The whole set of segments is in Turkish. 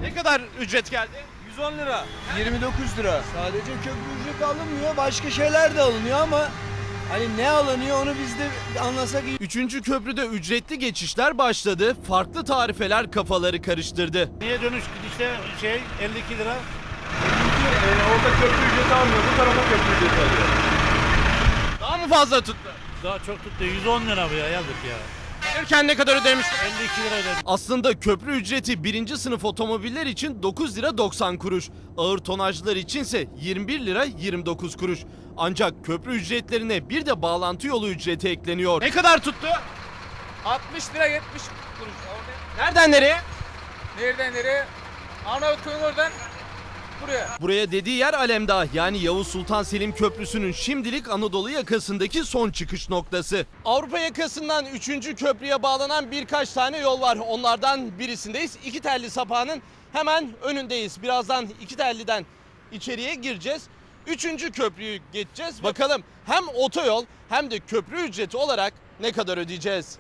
Ne kadar ücret geldi? 110 lira. 29 lira. Sadece köprü ücreti alınmıyor, başka şeyler de alınıyor ama hani ne alınıyor onu biz de anlasak iyi. 3. köprüde ücretli geçişler başladı. Farklı tarifeler kafaları karıştırdı. Niye dönüş gidişte 52 lira? Orada köprü ücreti almıyor, bu tarafa köprü ücreti alıyor. Daha mı fazla tuttu? Daha çok tuttu. 110 lira bu ya, yazık ya. Gelirken ne kadar ödemiştin? 52 lira ödedim. Aslında köprü ücreti 1. sınıf otomobiller için 9 lira 90 kuruş. Ağır tonajlar içinse 21 lira 29 kuruş. Ancak köprü ücretlerine bir de bağlantı yolu ücreti ekleniyor. Ne kadar tuttu? 60 lira 70 kuruş. Nereden nereye? Nereden nereye? Arnavutköy'ün oradan buraya. Buraya dediği yer Alemdağ, yani Yavuz Sultan Selim Köprüsü'nün şimdilik Anadolu yakasındaki son çıkış noktası. Avrupa yakasından 3. köprüye bağlanan birkaç tane yol var. Onlardan birisindeyiz. İkitelli sapağının hemen önündeyiz. Birazdan İkitelli'den içeriye gireceğiz. 3. köprüyü geçeceğiz. Bakalım hem otoyol hem de köprü ücreti olarak ne kadar ödeyeceğiz?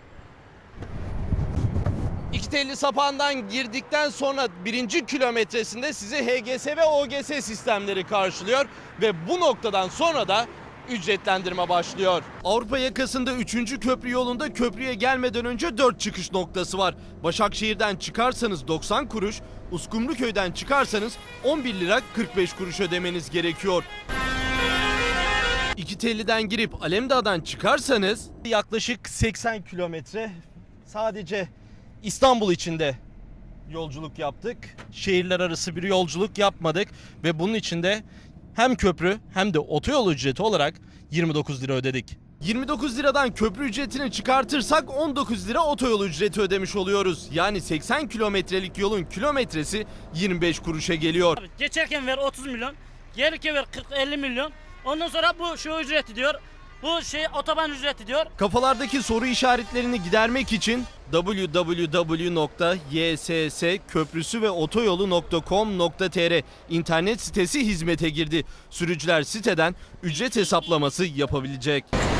İkitelli sapağından girdikten sonra 1. kilometresinde sizi HGS ve OGS sistemleri karşılıyor ve bu noktadan sonra da ücretlendirme başlıyor. Avrupa yakasında 3. köprü yolunda köprüye gelmeden önce 4 çıkış noktası var. Başakşehir'den çıkarsanız 90 kuruş, Uskumruköy'den çıkarsanız 11 lira 45 kuruş ödemeniz gerekiyor. İkitelli'den girip Alemdağ'dan çıkarsanız yaklaşık 80 kilometre sadece İstanbul içinde yolculuk yaptık. Şehirler arası bir yolculuk yapmadık ve bunun içinde hem köprü hem de otoyol ücreti olarak 29 lira ödedik. 29 liradan köprü ücretini çıkartırsak 19 lira otoyol ücreti ödemiş oluyoruz. Yani 80 kilometrelik yolun kilometresi 25 kuruşa geliyor. Abi geçerken ver 30 milyon, gelirken ver 40-50 milyon. Ondan sonra bu şu ücreti diyor. Bu otoban ücreti diyor. Kafalardaki soru işaretlerini gidermek için www.yssköprüsüveotoyolu.com.tr internet sitesi hizmete girdi. Sürücüler siteden ücret hesaplaması yapabilecek.